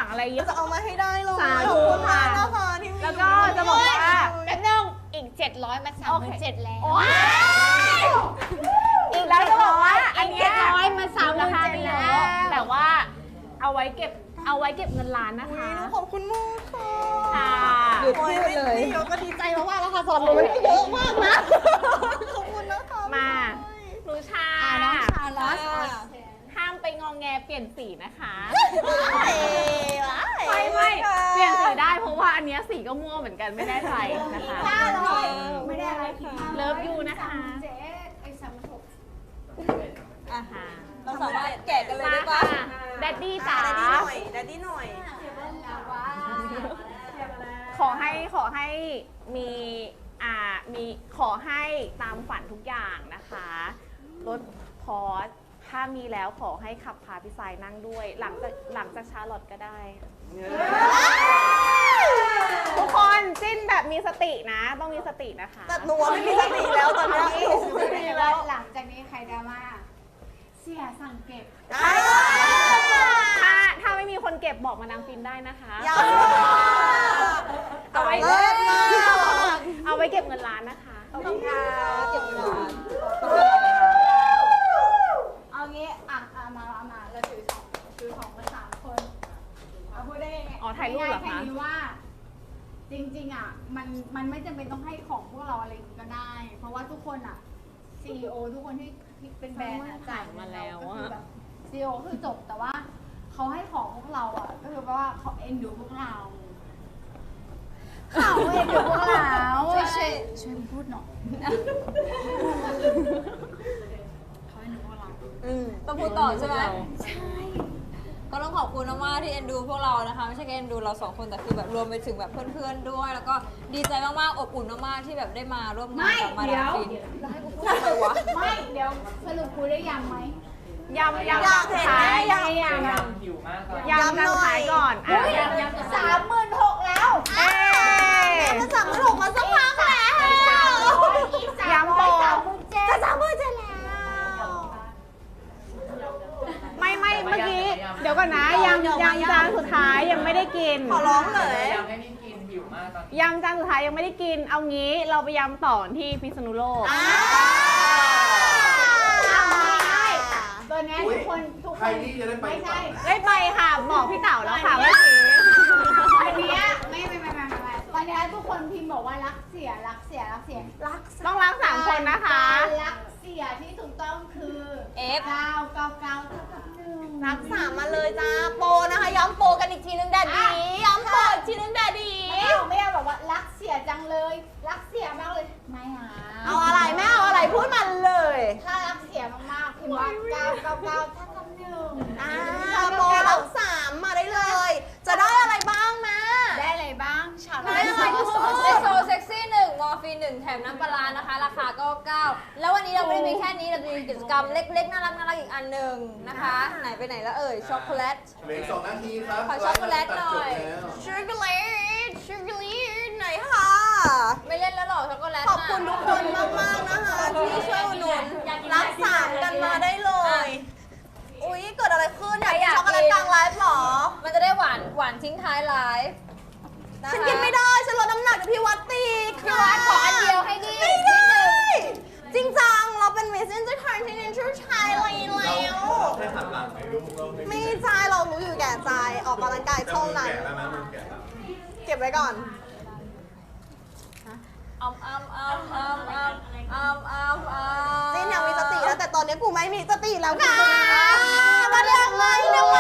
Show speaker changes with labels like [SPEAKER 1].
[SPEAKER 1] อะไรเยอะ
[SPEAKER 2] จะเอามาให้ได้เลย
[SPEAKER 1] สา
[SPEAKER 2] ข
[SPEAKER 1] ธุ
[SPEAKER 2] อบคุณมาก
[SPEAKER 1] ค่ะ
[SPEAKER 2] นะคะที่
[SPEAKER 1] แล้วก็จะบอกว่า
[SPEAKER 3] แป๊บนึงอีก700มา37,000แล้ว
[SPEAKER 1] อีกแล้วจะบอกว่าอันเนี้ย
[SPEAKER 3] 700มา37,000
[SPEAKER 1] ราคาไม่เยอะแต่ว่าเอาไว้เก็บเงินล้านนะคะ
[SPEAKER 2] ขอบคุณมากค่ะ
[SPEAKER 1] ค่ะ
[SPEAKER 2] หยุดพูดเลยเดี๋ยวก็ดีใจมากๆแล้วค่ะสำหรับหนูมันเยอะมากนะขอบคุณนะคะ
[SPEAKER 1] มาหนูชา
[SPEAKER 3] น้องชาลอส
[SPEAKER 1] ห้ามไปงองแงเปลี่ยนสีนะคะ
[SPEAKER 2] ไม่
[SPEAKER 1] ไม่เปลี่ยนสีได้เพราะว่าอันเนี้ยสีก็ม่วงเหมือนกันไม่ได้ใจนะคะ
[SPEAKER 3] ไม่ได้อะไรค่ะ
[SPEAKER 1] เลิฟยูนะคะ
[SPEAKER 3] เจ๊ไอ้36
[SPEAKER 1] ค่ะ
[SPEAKER 2] เราสามารถแกะกันเลย
[SPEAKER 1] มา
[SPEAKER 2] ได้ปะ
[SPEAKER 1] ค่ะแดดดี้จ๋า
[SPEAKER 2] ดัดดี้หน่อยดัดดี้หน่อย
[SPEAKER 1] ขอให้มีมีขอให้ตามฝันทุกอย่างนะคะรถพอร์ชถ้ามีแล้วขอให้ขับพาพี่สายนั่งด้วย หลังจากชาร์ลอตก็ได้ ทุกคนจิ้นแบบมีสตินะ ต้องมีสตินะคะ
[SPEAKER 2] แต่หนูไม่มีสติแล้วตอนนี้หนูไม่มีแล้ว
[SPEAKER 3] หลังจากนี้ใครดราม่าเสียสั่งเก็บ
[SPEAKER 1] ถ้าไม่มีคนเก็บบอกมานางฟินได้นะคะ
[SPEAKER 2] ยัง
[SPEAKER 1] เอาไว้
[SPEAKER 2] เลิศมาก
[SPEAKER 1] เอาไว้เก็บเงินล้านนะคะ
[SPEAKER 2] ขอบคุณค่ะเก็บเงิน
[SPEAKER 3] เอางี้มาเราถือของมา3 คนเอาพูดได้ไง
[SPEAKER 1] อ๋อถ่ายรูปเหรอคะ
[SPEAKER 3] แค่นี้ว่า จริงๆมันไม่จำเป็นต้องให้ของพวกเราอะไรก็ได้ เพราะว่าทุกคนCEO ทุกคนที่เป็นแบรนด์จ่ายมาแล้วก็คือแบบ CEO คือจบแต่ว่าเขาให้ของพวกเราก็คือว่าเขาเอ็นดูพวกเราเขาเอ็นดูพวกเราช่วยพูดหน่อยเขาเอ็นดูพวกเรา
[SPEAKER 4] ต้องพูดต่อใช่ไหมก็ต้องขอบคุณมากๆที่เอ็นดูพวกเรานะคะไม่ใช่แค่เอ็นดูเรา2 คนแต่คือแบบรวมไปถึงแบบเพื่อนๆด้วย แล้วก็ดีใจมากๆอบอุ่นมากๆที่แบบได้มาร่วมงานกับมาดามฟินพูดอะไรวะ
[SPEAKER 3] ไม่เดี๋ยวสรุปคุยได้ยังไหม
[SPEAKER 1] ยำ
[SPEAKER 2] อยากเห็น
[SPEAKER 1] ท้าย
[SPEAKER 2] อยาก
[SPEAKER 5] หิวมากตอน
[SPEAKER 1] ยำจานท้ายก่อนอ่ะ
[SPEAKER 3] 36,000แล้ว
[SPEAKER 1] เอ๊ะ
[SPEAKER 2] มาสั่งมาถูกมาสักพักแล้ว
[SPEAKER 1] ยำโป
[SPEAKER 2] จะ37,000แล้ว
[SPEAKER 1] ไม่เมื่อกี้เดี๋ยวก่อนนะยำจานสุดท้ายยังไม่ได้กิน
[SPEAKER 2] ขอร้องเลย
[SPEAKER 5] อยากให้นี่กินหิวมากตอนนี้
[SPEAKER 1] ยำจานสุดท้ายยังไม่ได้กิน เอางี้เราไปยำต่อที่พิษณุโลก
[SPEAKER 3] ตัวนี้ทุกคน
[SPEAKER 6] ใครนี่จะได้ไป
[SPEAKER 3] ไม่ใช่
[SPEAKER 1] ได้ไปค่ะ บอกพี่เต๋าแล้วค่ะว่าซื้อ
[SPEAKER 3] วันนี้ไม่ตอนนี้ทุกคนพิมพ์บอกว่ารักเสีย
[SPEAKER 1] ต้องรัก3 คนนะคะ
[SPEAKER 3] รักเสียที่ถูกต้องคือ
[SPEAKER 4] F
[SPEAKER 3] 999เท่ากับ1
[SPEAKER 2] รักษามาเลยจ้าโปรนะคะย้ำโปรกันอีกทีนึงแดดดีย้ำโปรอีกทีนึงแดดดี
[SPEAKER 3] ไม่เอาแบบว่ารักเสียจังเลย รักเสียมากเลยไม่หา
[SPEAKER 2] เอาอะไรแม่เอาอะไรพูดมาเลย
[SPEAKER 3] ถ้ารักเสียมากๆพิมพ์ว่า999เท่ากับ1
[SPEAKER 2] โปรรักษามาได้เลย จะได้อะไรบ้างแม่
[SPEAKER 3] ได้อะไรบ้างฉาบ
[SPEAKER 2] ได้อะไรทุกคน
[SPEAKER 4] เอโซเซ็กซี่1มอร์ฟีน1แถมน้ำปลาร้านะคะ ราคาก็9แล้ววันนี้เราไม่ได้มีแค่นี้เราจะมีกิจกรรมเล็กๆน่ารักอีกอันหนึ่งนะคะ ไหนไปไหนแล้วเอ่ยช็อกโกแลต
[SPEAKER 6] เหลือ2 นาทีครับ
[SPEAKER 4] ขอช็อกโกแลตหน่อย
[SPEAKER 2] ชูการ์เลตไหนค่ะ
[SPEAKER 4] ไม่เล่นแล้วหรอช็อกโกแลต
[SPEAKER 2] ขอบคุณทุกคนมากๆนะคะที่ช่วยอุดหนุนรักษากันมาได้เลย อุ๊ย เกิดอะไรขึ้นอยากกินช็อกโกแลตกลางไลฟ์หรอ
[SPEAKER 4] มันจะได้หวานทิ้งท้ายไลฟ์นะคะ
[SPEAKER 2] ฉันกินไม่ได้ ฉันลดน้ำหนักจากพี่วัดตีค่ะ
[SPEAKER 4] พี่วัดขออันเดียวให้ดิ
[SPEAKER 2] ไม่ได้ จริงจัง เราเป็น Miss Intercontinental Thailand แล้ว
[SPEAKER 6] แค่หันหลังให้ลูกเรา
[SPEAKER 2] ไม่ใช่เรารู้อยู่แก่ใจ ออกกำลังกายเท่านั้น
[SPEAKER 6] แกะแล้วนะมันแกะแล้ว
[SPEAKER 2] เก็บไว้ก่อน
[SPEAKER 4] จิ้
[SPEAKER 2] จีนยังมีสติแล้วแต่ตอนนี้กูไม่มีสติแล้วค่ะมาเรียกไงเนี่ยมา